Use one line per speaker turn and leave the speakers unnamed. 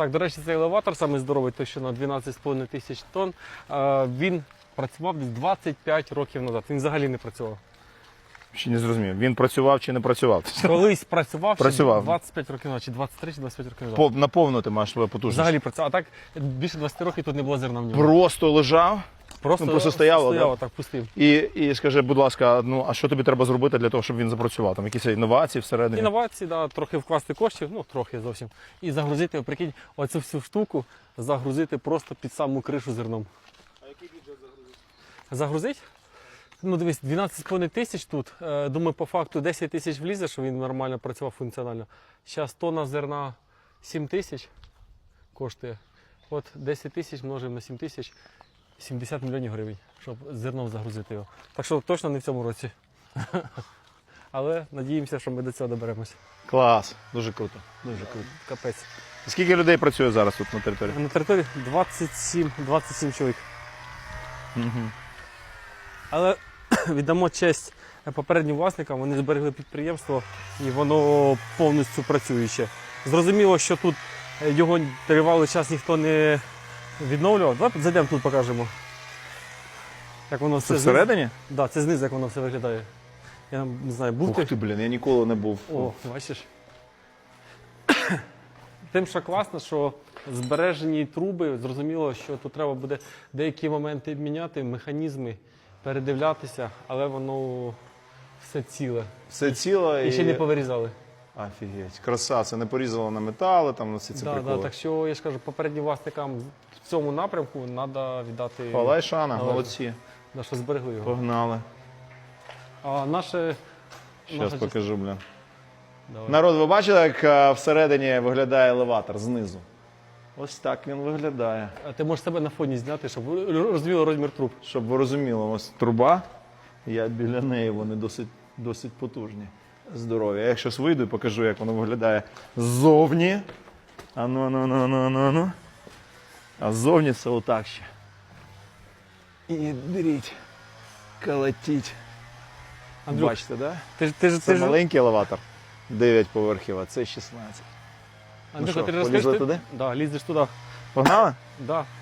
Так, до речі, цей елеватор, самий здоровий, той, що на 12,5 тисяч тонн, він працював десь 25 років назад. Він взагалі не працював.
Ще не зрозумів, він працював чи не працював?
Колись працював,
Працював.
ще 25 років назад, чи 23, чи 25 років назад.
Наповнити маєш свою потужність.
Взагалі працював. А так більше 20 років тут не було зерна в ньому.
Просто лежав просто стояло, да?
так, пустив.
і скажи, будь ласка, ну а що тобі треба зробити для того, щоб він запрацював? Там якісь інновації всередині?
Інновації, да, трохи вкласти коштів, ну трохи зовсім. І загрузити, прикинь, оцю всю штуку загрузити просто під саму кришу зерном.
А який бюджет загрузити?
Загрузить? Ну дивись, 12,5 тисяч тут. Думаю, по факту 10 тисяч влізе, що він нормально працював функціонально. Зараз тонна зерна 7 тисяч коштує. От 10 тисяч множимо на 7 тисяч, 70 мільйонів гривень, щоб зерном загрузити його. Так що точно не в цьому році. Але надіємося, що ми до цього доберемося.
Клас, дуже круто. Дуже круто.
Капець.
Скільки людей працює зараз тут на території?
На території 27 чоловік.
Угу.
Але віддамо честь попереднім власникам, вони зберегли підприємство і воно повністю працююче. Зрозуміло, що тут його тривалий час ніхто не відновлював. Давай зайдемо тут покажемо. Як воно
Це
все
всередині?
Так, да, це знизу, як воно все виглядає. Я не знаю, був
Ух ти, блін, я ніколи не був.
О, бачиш. Тим, що класно, що збережені труби, зрозуміло, що тут треба буде деякі моменти міняти, механізми, передивлятися, але воно все ціле.
Все ціло
І ще не повирізали.
Офігеть, краса, це не порізало на метали, там на всі ці приколи.
Так що, я ж кажу, попереднім власникам в цьому напрямку треба віддати,
Хвала і шана,
належне.
молодці.
Да, що зберегли його.
Погнали.
А наше...
Зараз покажу, блін.
Давай.
Народ, ви бачили, як всередині виглядає елеватор знизу? Ось так він виглядає.
А ти можеш себе на фоні зняти, щоб розуміло розмір труб.
Щоб ви розуміли, ось труба, я біля неї, вони досить потужні. Здорові. Я якщо вийду і покажу, як воно виглядає ззовні. Ану. А ззовні це отак ще. І беріть, колотіть.
Андрюх,
Бачите, так? Да?
Ти ж
Маленький елеватор, 9 поверхів, а це 16.
Андрюха,
що,
ти ж
полізли
розкажеш,
туди?
Да, лізеш туди.
Погнали?
Да.